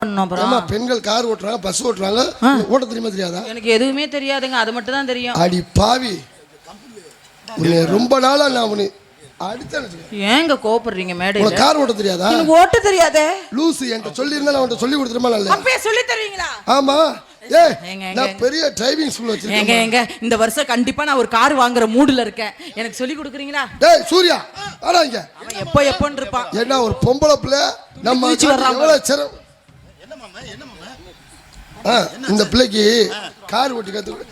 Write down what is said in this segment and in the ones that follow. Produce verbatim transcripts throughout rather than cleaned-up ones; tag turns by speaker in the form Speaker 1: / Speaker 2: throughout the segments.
Speaker 1: பெண்கள் கார் ஓட்டுறாங்க, பஸ் ஓட்டுறாங்க, ஓட்ட தெரியுமா தெரியாதா?
Speaker 2: எனக்கு எதுவுமே தெரியாதுங்க, அது மட்டும் தான் தெரியும்.
Speaker 1: அடி பாவி, ரொம்ப நாளா நான் உன்னை
Speaker 2: ஏங்க கோபப்படுறீங்க மேடம்?
Speaker 1: உனக்கு கார் ஓட்ட தெரியாதா?
Speaker 2: எனக்கு ஓட்ட தெரியாதே.
Speaker 1: லூசு, என்கிட்ட சொல்லி இருந்தா நான் உன்கிட்ட சொல்லி கொடுத்துருமா? நல்ல
Speaker 2: அப்பவே சொல்லி தருவீங்களா?
Speaker 1: ஆமா, ஏய் நான் பெரிய டிரைவிங் ஸ்கூல் வச்சிருக்கேன்.
Speaker 2: ஏங்க ஏங்க இந்த வருஷம் கண்டிப்பா நான் ஒரு கார் வாங்குற மூட்ல இருக்கேன், எனக்கு சொல்லி கொடுக்குறீங்களா?
Speaker 1: டேய் சூர்யா வாடா இங்க.
Speaker 2: அவன் எப்போ எப்போன்னு இருப்பான்.
Speaker 1: என்ன ஒரு பொம்பளை பிள்ளை நம்ம எவ்வளவு சிரம்.
Speaker 3: என்ன மாமா என்ன மாமா?
Speaker 1: இந்த பிள்ளைக்கு கார் ஓட்டி கத்து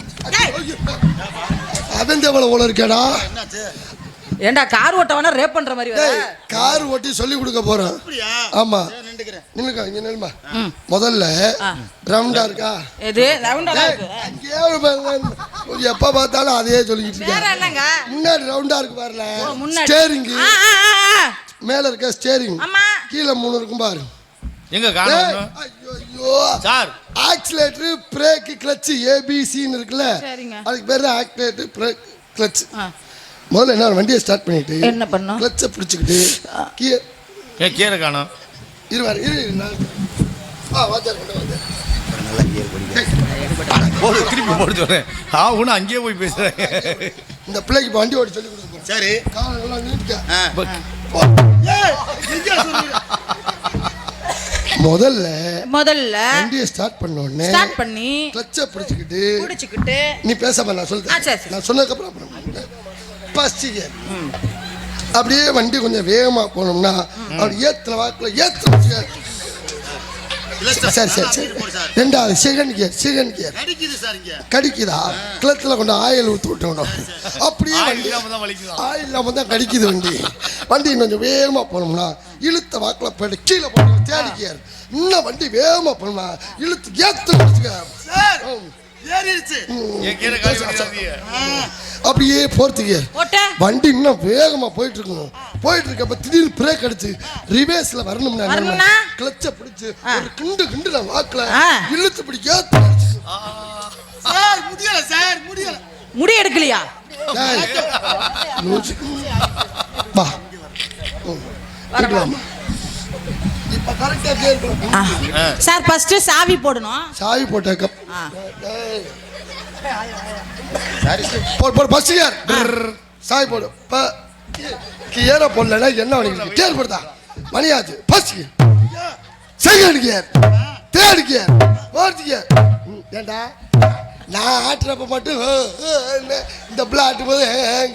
Speaker 1: அவன் எவ்வளவு ஓல இருக்கேடா.
Speaker 2: ஏண்டா கார் ஓட்டவனா ரேப் பண்ற மாதிரி வர?
Speaker 1: கார் ஓட்டி சொல்லி கொடுக்க போறேன். ஆமா நின்னுக்க இங்க நில்லுமா. முதல்ல ரவுண்டா இருக்கா?
Speaker 2: எது ரவுண்டா இருக்கு?
Speaker 1: அங்கே எப்ப பார்த்தாலும் அதே சொல்லிட்டு இருக்க.
Speaker 2: வேற என்னங்க?
Speaker 1: முன்னாடி ரவுண்டா இருக்கு பாருல. ஸ்டீரிங் மேல இருக்க ஸ்டீரிங், கீழ மூணு இருக்கும் பாரு.
Speaker 3: எங்க காணோம்?
Speaker 1: ஐயோ sir, accelerator, brake, clutch, ABC ன்னு இருக்குல, அதுக்கு பேரு தான் ஆக்சிலேட்டர், பிரேக், கிளட்ச். முதல்ல என்ன வண்டியை ஸ்டார்ட் பண்ணிட்டு
Speaker 2: என்ன பண்ணோம்?
Speaker 1: கிளட்சை பிடிச்சிக்கிட்டு கியர்
Speaker 3: ஏ கியரை காணோம்.
Speaker 1: இருவாரு இரு நான் ஆ வாச்சார் கொண்டு வந்து
Speaker 3: நல்லா கியர் படிங்க. போடு திருப்பி போடு சொல்றேன். ஆ உன அங்கேயே போய் பேசுறேன்.
Speaker 1: இந்த பிள்ளைக்கு இப்போ வண்டி ஓட்டி சொல்லி கொடுத்துருக்கோம்.
Speaker 3: சரி
Speaker 1: கால் நல்லா நீட்டுக்க.
Speaker 3: ஏய் எங்க சொல்றீங்க?
Speaker 1: முதல்ல
Speaker 2: முதல்ல
Speaker 1: வண்டியை ஸ்டார்ட் பண்ண உடனே
Speaker 2: ஸ்டார்ட் பண்ணி
Speaker 1: கிளட்சை பிடிச்சிக்கிட்டு
Speaker 2: பிடிச்சிக்கிட்டு
Speaker 1: நீ பேசாம நான் சொல்றேன். நான் சொன்னதுக்கு அப்புறம் பஸ்டிங்க அப்படியே வண்டி கொஞ்சம் வேகமா போனோம்னா அவர் ஏத்துல வாக்குல ஏத்து. சரி சரி சரி ரெண்டாவது செகண்ட் கியர், செகண்ட் கியர் கடிக்குதா? கிளத்துல கொண்டு ஆயில் ஊற்றி விட்டோம். அப்படியே வண்டி ஆயில் இல்லாம தான் கடிக்குது வண்டி. வண்டி கொஞ்சம் வேகமா போனோம்னா இழுத்த வாக்குல போயிட்டு கீழே போனோம். தேர்ட் கியர் இன்னும் வண்டி வேகமா போனோம்னா இழுத்து ஏத்து அப்படியே போறது கியர். வண்டி இன்னும் வேகமா போயிட்டு இருக்கணும். போயிட்டு இருக்கப்ப திடீர்னு பிரேக் அடிச்சு ரிவேர்ஸ்ல வரணும்னா கிளட்சை பிடிச்சு ஒரு கிண்டு கிண்டு நான் வாக்குல இழுத்து பிடிக்க
Speaker 3: சார் முடியல சார் முடியல.
Speaker 2: முடி எடுக்கலையா?
Speaker 1: வா வரலாம். இப்ப கரெக்ட்டா கியர் போடு
Speaker 2: சார். ஃபர்ஸ்ட் சாவி போடணும்.
Speaker 1: சாவி போட்டக்க சரி போடு போடு ஃபர்ஸ்ட் கியர் சாவி போடு. ப கியரை போடலன்னா என்ன பண்ணிக்கிட்டு கியர் போடுதா மணியாச்சு. First gear, second gear, third gear, fourth gear. ஏண்டா நான் ஆட்டுறப்ப மட்டும் இந்த பிள்ளை ஆட்டும் போது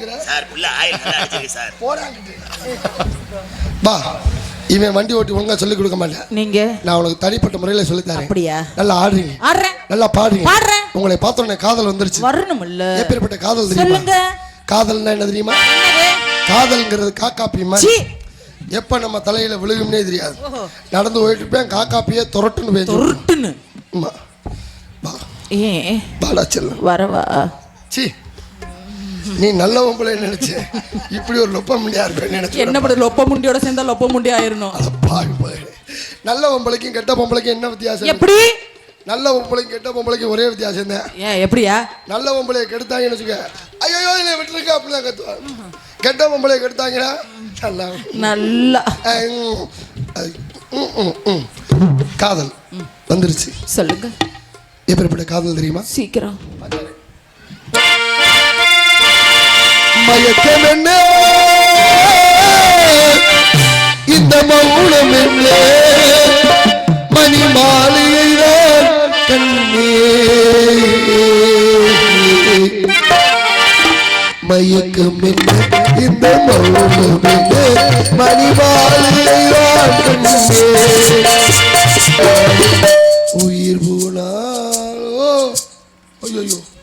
Speaker 1: பா இவன் வண்டி ஓட்டி ஒழுங்கா சொல்லி கொடுக்க மாட்டேன்.
Speaker 2: நீங்க நான்
Speaker 1: உனக்கு தனிப்பட்ட முறையில் சொல்லி தரேன்.
Speaker 2: அப்படியா?
Speaker 1: நல்லா ஆடுறீங்க, நல்லா பாடுறீங்க. உங்களை பார்த்தோன்னே காதல் வந்துருச்சு.
Speaker 2: வரணும் இல்ல?
Speaker 1: எப்பேற்பட்ட காதல் தெரியுமா? காதல்னா என்ன தெரியுமா? காதல்ங்கிறது காக்காப்பி மாதிரி. எப்ப நம்ம தலையில விழுகும்னே தெரியாது. நடந்து போயிட்டு இருப்பேன், காக்காப்பியே துரட்டுன்னு பேசு.
Speaker 2: துரட்டுன்னு
Speaker 1: ஏ பாடா செல்லும்
Speaker 2: வரவா?
Speaker 1: சி நீ நல்ல பொம்பளை நினைச்ச, இப்படி ஒரு லொப்ப முண்டியா இருப்பேன் நினைச்ச.
Speaker 2: என்ன பண்ற? லொப்ப முண்டியோட சேர்ந்தா லொப்ப முண்டி ஆயிரணும்.
Speaker 1: நல்ல பொம்பளைக்கும் கெட்ட பொம்பளைக்கும் என்ன வித்தியாசம்?
Speaker 2: எப்படி? நல்ல
Speaker 1: பொம்பளைக்கும் கெட்ட பொம்பளைக்கும் ஒரே வித்தியாசம் தான்.
Speaker 2: ஏன் எப்படியா?
Speaker 1: நல்ல பொம்பளையை கெடுத்தாங்கன்னு வச்சுக்க, ஐயோ இதை விட்டுருக்க அப்படிலாம் கத்துவாங்க. கெட்ட பொம்பளையை கெடுத்தாங்கன்னா நல்லா
Speaker 2: நல்லா
Speaker 1: காதல் வந்துருச்சு.
Speaker 2: சொல்லுங்க
Speaker 1: எப்படிப்பட்ட காதல் தெரியுமா?
Speaker 2: சீக்கிரம்.
Speaker 1: மயக்கம் என்ன இந்த மௌனம் என்ன மணி மாலையை கண்ணே. மயக்கம் என்ன இந்த மௌனம் என்ன மணி மாலையை கண்ணே. உயிர் போனாலோ ஐயோ